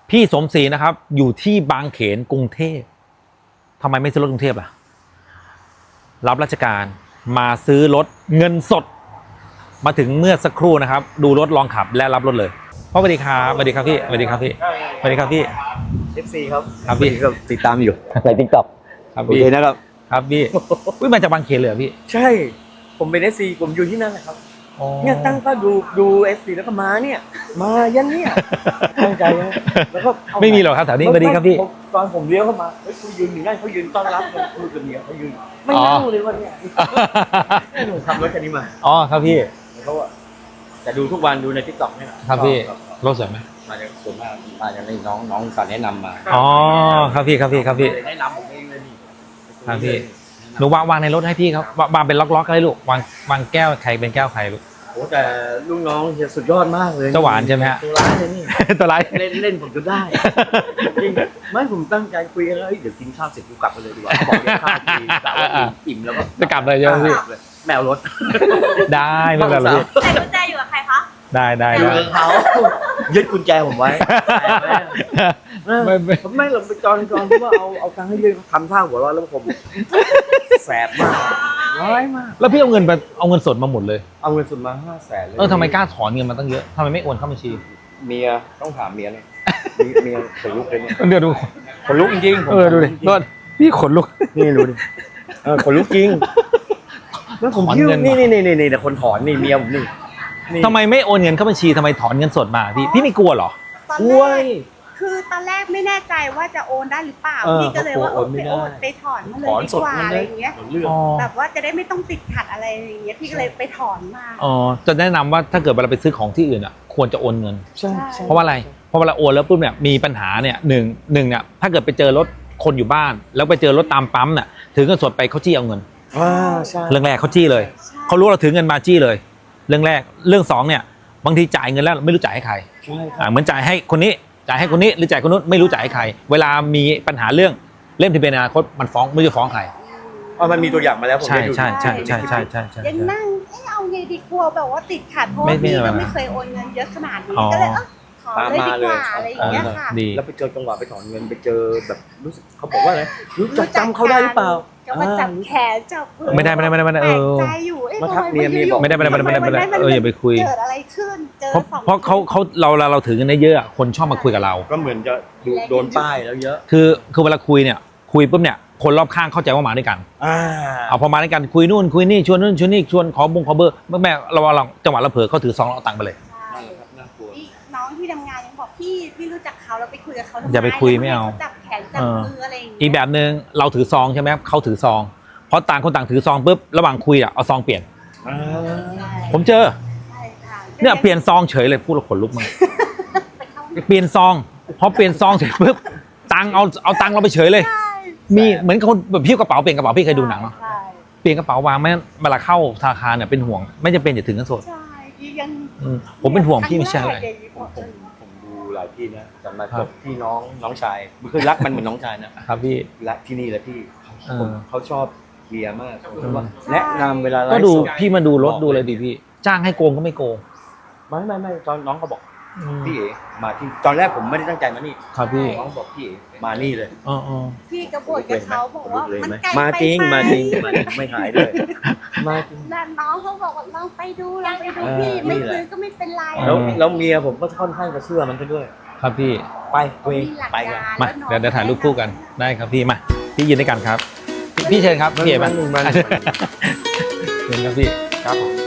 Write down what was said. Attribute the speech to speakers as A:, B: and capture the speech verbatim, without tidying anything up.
A: พี่สมศรีนะครับอยู่ที่บางเขนกรุงเทพทำไมไม่ซื้อรถกรุงเทพล่ะรับราชการมาซื้อรถเงินสดมาถึงเมื่อสักครู่นะครับดูรถลองขับและรับรถเลยพ่อสวัสดีครับสวัสดีครับพี่สวัสดีครับพี่สวัสดีครับพี่
B: เอฟ ซี ครับ
A: ครับพี่
B: ก็ติดตามอยู่ใน ติ๊กต็อก
A: ครับ
B: โอ
A: พี่
B: เคนะครับ
A: ครับพี่อุ้ยมาจากบางเขนเลยเหรอพี่
B: ใช่ผมเป็น เอฟ ซี ผมอยู่ที่นั่นแหละครับเนี่ยตั้งก็ดูดู เอฟ ซี แล้วก็มาเนี่ยมายันเนี่ยตั้งใจนะแล้วก็เอา
A: ไม่มีหรอกครับแถวนี้สวัสดีครับพี่
B: ผมตอนผมเลี้ยวเข้ามาเฮ้ยเขายืนอยู่นั่นเขายืนต้อนรับเลยพูดกับเมียเขายืนไม่นั่งเลยวันเนี้ยหนูขับรถคันนี้มา
A: อ๋อครับพี่
B: เขาอะแต่ดูทุกวันดูใน ติ๊กต็อก เนี่ย
A: ครับพี่รถสวยไหม
B: มาจากส่วนมากมาจากในน้องน้องสารแนะนำมา
A: อ๋อครับพี่ครับพี่ครับพี่
B: แนะนำผมเองเลยนี่
A: ครับพี่หนูวางวางในรถให้พี่ครับวางวางเป็นล็อกๆให้ลูกวางวางแก้วใครเป็นแก้วใครลูก
B: โอ้แต่ลูกน้องเฮียสุดยอดมากเลย
A: เจ้าหวานใช่ไหมฮะ
B: ตัวร้ายเลยนี่
A: ตัวไร
B: เล่นเล่นผมจนได้จริงไม่ผมตั้งใจคุยกันแล้วเฮ้ยเดี๋ยวกินข้าวเสร็จกูกลับไปเลยดีกว่าเขาบอกเดี๋ยวข้าวกินแต่ว่าอิ่มแล้วก็
A: จะกลับเลยใช่ไหมพี่
B: กลับเลยแมวรถ
A: ได้ไม่เป็นไรพี่
C: ใส่กุญแจอยู่กับใครคะ
A: ได้ได้
B: อยู่
A: ได้
B: กับเขายึดกุญแจผมไว้
A: ไม่ไม่
B: ผมไม่หรอกตอนตอนที่ว่าเอาเอาตังค์ให้ยืมทำท่าหัวเร้อนแล้วผมแสบมากร้ายมาก
A: แล้วพี่เอาเงินไปเอาเงินสดมาหมดเลย
B: เอาเงินสดมาห้าแสนเลย
A: เออทำไมกล้าถอนเงินมาตั้งเยอะทำไมไม่โอนเข้าบัญชี
B: เมียต้องถามเมียเลยเมียเมียขนลุกเลยเนี่ย
A: เดี๋ยวดู
B: ขนลุกจริงๆผม
A: เออดูดิรถพี่ขนลุก
B: นี่ดูดิเออขนลุกจริงแล้วผม
A: ถอน
B: คิด
A: เงิ
B: ว่าน นี่นี่นี่นี่แต่คนถอนนี่เมียผมนี่นี่
A: ทำไมไม่โอนเงินเข้าบัญชีทำไมถอนเงินสดมาพี่พี่ไม่กลัวเหรอ
C: ตอน
B: ก
C: แร
B: ล้วย
C: กคือตอนแรกไม่แน่ใจว่าจะโอนได้หรือเปล่า
B: เออ
C: พี่ก็เลยว่า
B: เขากลัวโอนไม่
C: ไป
B: ได้
C: โอนไปถอนมาเลย
B: ถอน
C: ดี
B: สด
C: กว่า
B: มัน
C: อะ
B: เล
C: ไร
B: ย
C: อย่างเงี้ย
B: เรื่อง
A: อ๋อ
C: แบบว่าจะได้ไม่ต้องติดขัดอะไรอย่างเงี้ยพี่ก็เลยไปถอนมา
A: อ๋อจะแนะนำว่าถ้าเกิดเวลาไปซื้อของที่อื่นอ่ะควรจะโอนเงิน
B: ใช่ใช่
A: เพราะว่าอะไรเพราะเวลาโอนแล้วปุ๊บเนี่ยมีปัญหาเนี่ยหนึ่งหนึ่งเนี่ยถ้าเกิดไปเจอรถคนอยู่บ้าน แล้วไปเจอรถตามปั๊มเนี่ยถือเงินสดไปเขาจี้เอาเงิน
B: อ่าใช่
A: เรื่องแรกเขาจี้เลย
C: ใช่
A: เขารู้เราถือเงินมาจี้เลย เรื่องแรกเรื่องสองเนี่ยบางทีจ่ายเงินแล้วไม่รู้จ่ายให้ใคร
B: ใช่ค
A: อ่า
B: รับ
A: เหมือนจ่ายให้คนนี้จ่ายให้คนนี้หรือจ่ายคนนู้นไม่รู้จ่ายให้ใคร เวลามีปัญหาเรื่องเล่มทะเบียนอนาคตมันฟ้องไม่รู้จะฟ้องใคร
B: อ๋อมันมีตัวอย่างมาแล้วผม
A: ใช่
B: ได้ดู
A: ใช่ใช่ใช่ใช่ใช่ใช่
C: ยังนั่งเอ๊ะเอาไงดีกลัวแบบว่าติดขัดเพราะ
A: ไม่
C: ว่า
A: ไม่
C: พี่
A: อะไร
C: ก็
A: นะ
C: ไม่เคยโอนเงินเยอะขนาดนี้
A: อ๋อ
C: ก็เลยเออขอเลยดีกว่าอะไรอย่างเงี้ยค่ะ
A: ดี
B: แล้วไปเจอจังหวะไปถอนเงินไปเจอแบบรู้สึกเขาบอกว่าอะไรรู้จักจำเขาได้หรือเปล่า
C: ก็มาจับแขนจับมือ
A: ไม่ได้ไม่ได้ไม่ได้ไม่ได้เออ
C: แปลกใจอยู่เอ๊ะ
B: มาทัก
C: ทำ
B: เมียเมียบอก
A: ไม่ได้ไม่ได้ไม่ได้ไม่ได้ไม่ได้เอออย่าไปคุย
C: เกิดอะไรขึ้นเจอ
A: เพราะ
C: สอง
A: เพราะเขาเขาเราเราเราถือเงินได้เยอะอะคนชอบมาคุยกับเรา
B: ก็เหมือนจะดูโดนป้ายแล้วเยอะ
A: คือคือเวลาคุยเนี่ยคุยปุ๊บเนี่ยคนรอบข้างเข้าใจว่ามาด้วยกัน
B: อ่า
A: เอาพอมาด้วยกันคุยนู่นคุยนี่ชวนนู่นชวนนี่ชวนขอบงขอเบอร์แม่แม่เราเราจังหวะเราเผลอเขาถือซองเราเอาตังค์ไปเลย
C: ใช่
B: น่ากลัว
C: พี่น้องที่ทำงานยังบอกพี่พี่รู้จักเขาแล้วไปคุยกับเขาทำม
A: อย่าไปคุยไม่เอา
C: จับแขนจับมืออะไรอย่างเงี้ย
A: อีกแบบหนึ่งเราถือซองใช่ไหมเขาถือซองเพราะต่างคนต่างถือซองปุ๊บระหว่างคุยอ่ะเอาซองเปลี่ยน
B: อ่า
C: ใช่
A: ผมเจอ
C: ใช่ค่ะ
A: เนี่ยเปลี่ยนซองเฉยเลยพูดแล้วขนลุกมาก
C: ไปเข้า
A: เปลี่ยนซองพอเปลี่ยนซองเสร็จปุ๊บตังค์เอาเอาตังค์เราไปเฉยเลย
C: ใช่
A: มีเหมือนคนแบบพิ้วกระเป๋าเปลี่ยนกระเป๋าพี่เคยดูหนังเหรอ
C: ใช่
A: เปลี่ยนกระเป๋าวางไม่งั้นเวลาเข้าธนาคารเนี่ยเป็นห่วงไม่จำเป็นอย่าถึงเงินสด
C: ใช่พี่ยัง
A: อืมผมเป็นห่วงพี่ไม่ใช่อะไร
C: คงแกอย่างนี้
B: ผมผมผมดูหลายที่นะแต่มา
A: ครั
B: จ
A: บ
B: บที่น้องน้องชายคือรักมันเหมือนน้องชายนะครับ
A: พี่
B: และที่นี่แหละพี่
A: เออ
B: ผมเขาชอบเฮียมากผมว่าแนะนำเวลาไลฟ์
A: ก็ดู
B: ส
A: พี่มาดูรถดูเลยดิพี่ จ้างให้โกงก็ไม่โกง
B: ไม่ไม่ไม่ตอนน้องเขาบอกพี่เอ๋มาที่ตอนแรกผมไม่ได้ตั้งใจมานี่
A: ครับพี่
B: น้องบอกพี่เอ๋มานี่เลย
A: อ๋ออ๋อ
C: พี่กระบฏกับเขาบอกว่า
B: เลย
C: มัน
B: ไหม
C: ไกล
B: มา
C: ไป
B: จริง
C: ไห
B: มาจริงมาจริงไม่หายเลยมาจริง
C: แล้วน้องเขาบอกว่าลองไปดูลองไปดู
B: เออ
C: พี่ไม่
B: นี่แหละ
C: ซื้อก็ไม่เป็นไร
B: แล้วแล้วเมียผมก็ค่อนข้างจะเชื่อมันซะด้วย
A: ครับพี่
B: ไปตัวเอง
C: มีหลัก
B: ไป
C: ก
B: กัน
C: ร
A: มา
C: แล้วน้อง
A: เดี๋ยวเดี๋ยวถ่ายรูปคู่กันได้ครับพี่มาพี่ยืนด้วยกันครับ พี่พี่เชิญครับพี่เอ๋มา
B: มันมัน
A: เชิญครับพี่
B: ครับผม